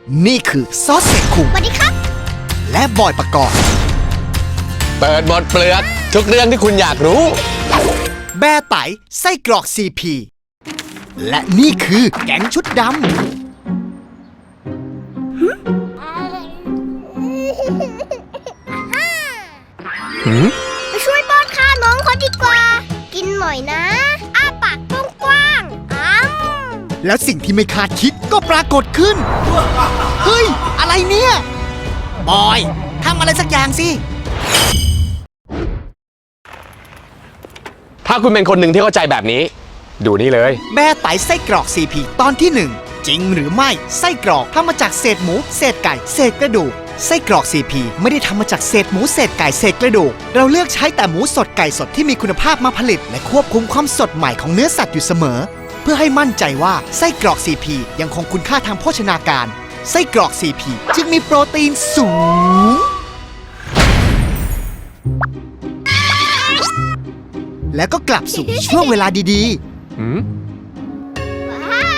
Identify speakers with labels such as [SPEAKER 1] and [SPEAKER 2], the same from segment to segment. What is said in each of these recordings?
[SPEAKER 1] นี่คือซอสเสกคุง
[SPEAKER 2] สวัสดีครับ
[SPEAKER 1] และบอยประกอบ
[SPEAKER 3] เปิดหมดเปลือกทุกเรื่องที่คุณอยากรู้
[SPEAKER 1] แบร์ไตไส้กรอกซีพีและนี่คือแก๊งชุดดำ
[SPEAKER 2] ไปช่วยป้อนข้าวน้องเขาดีกว่า กินหน่อยนะ อ้าปากกว้างๆ
[SPEAKER 1] แล้วสิ่งที่ไม่คาดคิดก็ปรากฏขึ้น เฮ้ย อะไรเนี่ย บอยทำอะไรสักอย่างสิ
[SPEAKER 3] ถ้าคุณเป็นคนหนึ่งที่เข้าใจแบบนี้ ดูนี่เลย
[SPEAKER 1] แบร์ไตไส้กรอกซีพีตอนที่ 1 จริงหรือไม่ไส้กรอกทำมาจากเศษหมูเศษไก่เศษกระดูกไส้กรอกซีพีไม่ได้ทำมาจากเศษหมูเศษไก่เศษกระดูกเราเลือกใช้แต่หมูสดไก่สดที่มีคุณภาพมาผลิตและควบคุมความสดใหม่ของเนื้อสัตว์อยู่เสมอเพื่อให้มั่นใจว่าไส้กรอกซีพียังคงคุณค่าทางโภชนาการไส้กรอกซีพีจึงมีโปรตีนสูงแล้วก็กลับสู่ช่วงเวลาดีๆ
[SPEAKER 2] ว้าว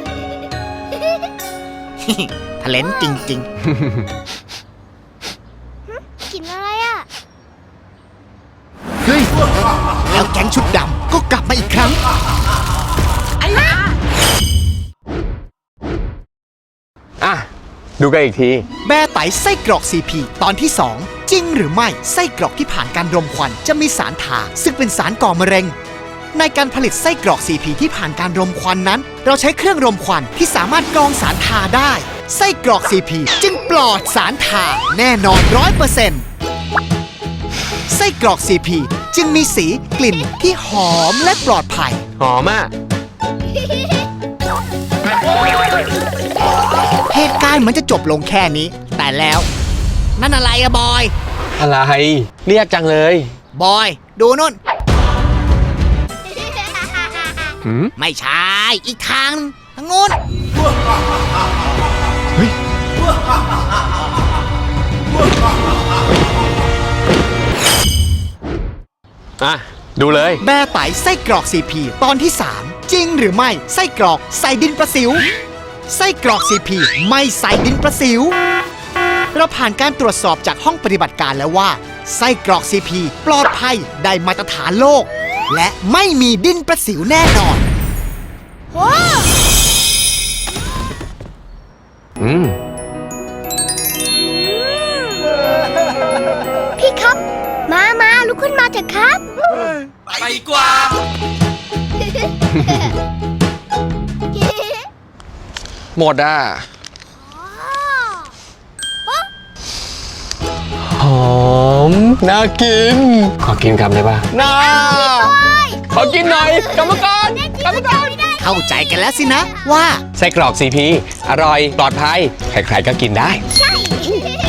[SPEAKER 1] ทะเลนจริง
[SPEAKER 2] กินอะไรอ่ะ
[SPEAKER 1] ๆ เฮ้ย แล้วแก๊งชุดดำก็กลับมาอีกครั้ง
[SPEAKER 3] อ่ะ ดูกันอีกที
[SPEAKER 1] แบร์ไตไส้กรอกซีพีตอนที่ 2 จริงหรือไม่ไส้กรอกที่ผ่านการรมควันจะมีสารทาซึ่งเป็นสารก่อมะเร็ง ในการผลิตไส้กรอกซีพีที่ผ่านการรมควันนั้น เราใช้เครื่องรมควันที่สามารถกรองสารทาได้ ไส้กรอกซีพีจึงปลอดสารทาแน่นอน 100%ไส้กรอกซีพีจึงมีสีกลิ่นที่หอมและปลอดภัย
[SPEAKER 3] หอมอ่ะ
[SPEAKER 1] เหตุการณ์เหมือนจะจบลงแค่นี้ แต่แล้ว นั่นอะไรอะบอย
[SPEAKER 3] อะไร เรียกจังเลย
[SPEAKER 1] บอย ดูนู่น
[SPEAKER 3] หืม
[SPEAKER 1] ไม่ใช่ อีกทางทางนู้น
[SPEAKER 3] อ่ะ ดูเลย
[SPEAKER 1] แบร์ไตไส้กรอกซีพีตอนที่ 3 จริงหรือไม่ไส้กรอกใส่ดินประสิว ไส้กรอกซีพีไม่ใส่ดินประสิว เราผ่านการตรวจสอบจากห้องปฏิบัติการแล้วว่าไส้กรอกซีพีปลอดภัยได้มาตรฐานโลก และไม่มีดินประสิวแน่นอน
[SPEAKER 3] อืม
[SPEAKER 2] พี่ครับ มาลุกขึ้นมาเถอะครับ
[SPEAKER 4] ไปดีกว่า
[SPEAKER 3] หมดอ่ะ หอม น่ากิน ขอกินคำได้ป่ะน่าขอกินหน่อยกรรมการกรรมการ
[SPEAKER 1] เข้าใจกันแล้วสินะว่า
[SPEAKER 3] ไส้กรอกซีพีอร่อย ปลอดภัย ใครๆก็กินได้
[SPEAKER 2] ใช่